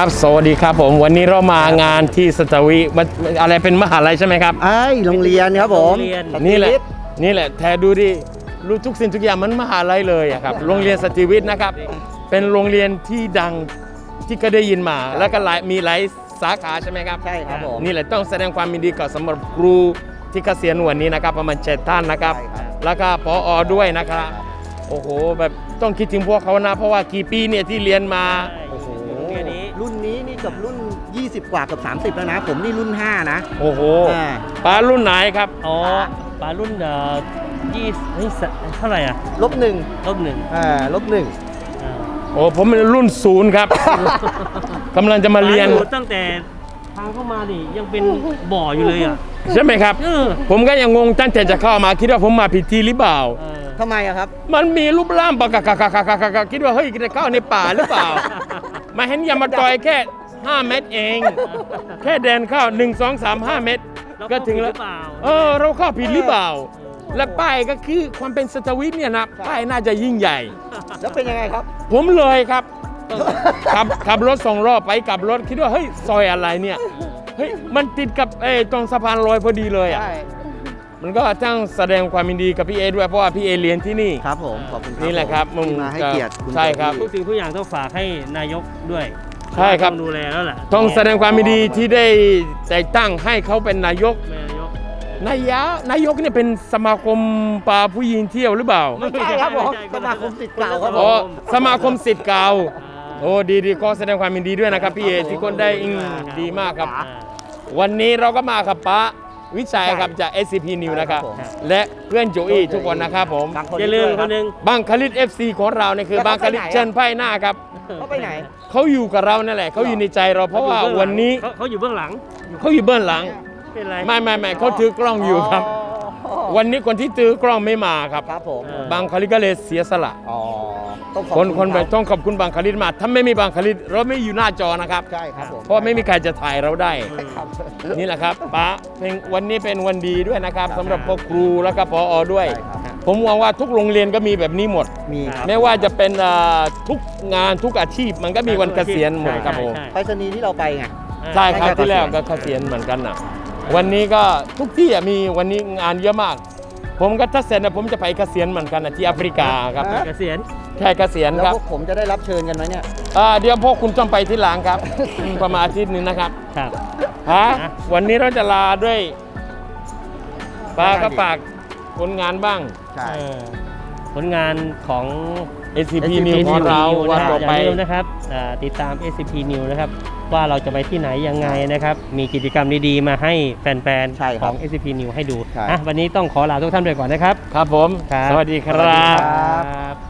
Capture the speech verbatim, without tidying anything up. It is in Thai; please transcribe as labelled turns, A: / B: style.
A: ครับสวัสดีครับผมวันนี้เรามางานที่สตวีมันอะไรเป็นมหาลัยใช่ไหมครับ
B: ไอ้โรงเรียนครับผม
A: นี่แหละนี่แหละแทดูดิรู้ทุกสิ่งทุกอย่างมันมหาลัยเลยอะครับโรงเรียนสตรีวิทย์นะครับเป็นโรงเรียนที่ดังที่ก็ได้ยินมาแล้วก็หลายมีหลายสาขาใช่ไหมครับ
B: ใช่ครับผม
A: นี่แหละต้องแสดงความยินดีกับสำหรับครูที่เกษียณวันนี้นะครับประมาณเจ็ดท่านนะครับแล้วก็ผอ.ด้วยนะครับโอ้โหแบบต้องคิดถึงพวกเขานะเพราะว่ากี่ปีเนี่ยที่เรียนมา
B: โอ้โหรุ่นนี้นี่กับรุ่นยี่สิบกว่ากับสามสิบแล้วนะผมนี่รุ่นห้านะ
A: โอ้โหป้ารุ่นไหนครับ
C: อ๋อป้ารุ่นเอ่อยี่นี่เท่าไหร่อ่ะ
B: ลบหนึ่ง
C: ลบหนึ่ง
B: อ่าลบหนึ่ง
A: โอ้ผมเป็นรุ่นศูนย์ครับกำลังจะมาเรียน
C: ตั้งแต่ทางเข้ามาดิยังเป็นบ่ออยู่เลยอ่ะ
A: ใช่ไหมครับผมก็ยังงงตั้งแต่จะเข้ามาคิดว่าผมมาผิดที่หรือเปล่า
B: ทำไมอะครับ
A: มันมีรูปร่างปะกะกะกะกะกะกะคิดว่าเฮ้ยจะเข้าในป่าหรือเปล่ามาเห็นยามาตอยแค่ห้าเมตรเองแค่เดินเข้าหนึ่ง สอง สาม ห้าเมตรก็ถึงแล้วเออเราเข้าผิดหรือเปล่าและป้ายก็คือความเป็นสตวิทเนี่ยนะป้ายน่าจะยิ่งใหญ่
B: แล้วเป็นยังไงครับ
A: ผมเลยครับขับขับรถสองรอบไปกลับรถคิดว่าเฮ้ยซอยอะไรเนี่ยเฮ้ยมันติดกับเอตรงสะพานลอยพอดีเลยอ่ะมันก็ต้องแสดงความยินดีกับพี่เอด้วยเพราะว่าพี่เอเรียนที่นี่
B: ครับผมขอบคุณ
A: นี่แหละครับ
B: มึงมาให้เกียรติ
A: ใช่ครับ
C: ทุกสิ่งทุกอย่างต้องฝากให้นายกด้วย
A: ใช่ครับ
C: ดูแลแล้วแหละ
A: ต้องแสดงความยินดีที่ได้แต่งตั้งให้เขาเป็นนายกนายกนายกเนี่ยเป็นสมาคมปลาผู้หญิงเที่ยวหรือเปล่า
B: ไม่ใช่ครับผมสมาคมศิษย์เก่าครับ
A: ผมสมาคมศิษย์เก่าโอ้ดีดีก็แสดงความยินดีด้วยนะครับพี่เอที่คนได้อิงดีมากครับวันนี้เราก็มากับป้าวิชัยครับจาก เอส ซี พี News นะครับและเพื่อนโจอี้ทุกคนนะครับผม
C: อย่าลืมคนหนึ่ง
A: บังคลิต เอฟ ซี ของเราเนี่ยคือบังคลิตเชิญไพ่หน้าครับ
B: เขาไปไหน
A: เขาอยู่กับเรานั่นแหละเขาอยู่ในใจเราเพราะว่าวันนี้
C: เขาอยู่เบื้องหลัง
A: เขาอยู่เบื้องหลังไม่ไม่ไม่เขาถือกล้องอยู่ครับวันนี้คนที่ถือกล้องไม่มาครับ
B: ครับผม
A: บางคลิตก็เลยเสียสละ
B: อ๋อ
A: คนคนไปต้องขอบคุณบางคลิตมาถ้าไม่มีบางคลิตเราไม่อยู่หน้าจอนะครับ
B: ใช่ครับผม
A: เพราะไม่มีใครจะถ่ายเราได้นี่แหละครับป้าเป็นวันนี้เป็นวันดีด้วยนะครับสำหรับพ่อครูและก็ผอ.ด้วยผมหวังว่าทุกโรงเรียนก็มีแบบนี้หมด
B: มี
A: ไม่ว่าจะเป็นทุกงานทุกอาชีพมันก็มีวันเกษียณหมดครับผม
B: ไปรษณีย์ที่เราไปไง
A: ใช่ครับที่แล้วก็เกษียณเหมือนกันนะวันนี้ก็ทุกที่มีวันนี้งานเยอะมากผมก็ถ้าเสร็จนะผมจะไปเกษียณเหมือนกันนะที่แอฟริกาครับ
C: เกษียณ
A: ใช่เกษียณครับ
B: แล้วพวกผมจะได้รับเชิญกันไหมเนี่ย
A: เดี๋ยวพวกคุณต้องไปที่หลังครับประมาณอาทิตย์นึงนะครับ
C: ครับ
A: ฮะวันนี้เราจะลาด้วยป้าก็ฝากผลงานบ้าง
B: ใช่
C: ผลงานของ
A: เอส ซี พี News ของเราวันต่อไป
C: นะครับติดตาม เอส ซี พี News นะครับว่าเราจะไปที่ไหนยังไงนะครับมีกิจกรรมดีๆมาให้แฟนๆของ เอส ซี พี News ให้ดูวันนี้ต้องขอลาทุกท่านไปก่อนนะครับ
A: ครับผมสวัสดีครับ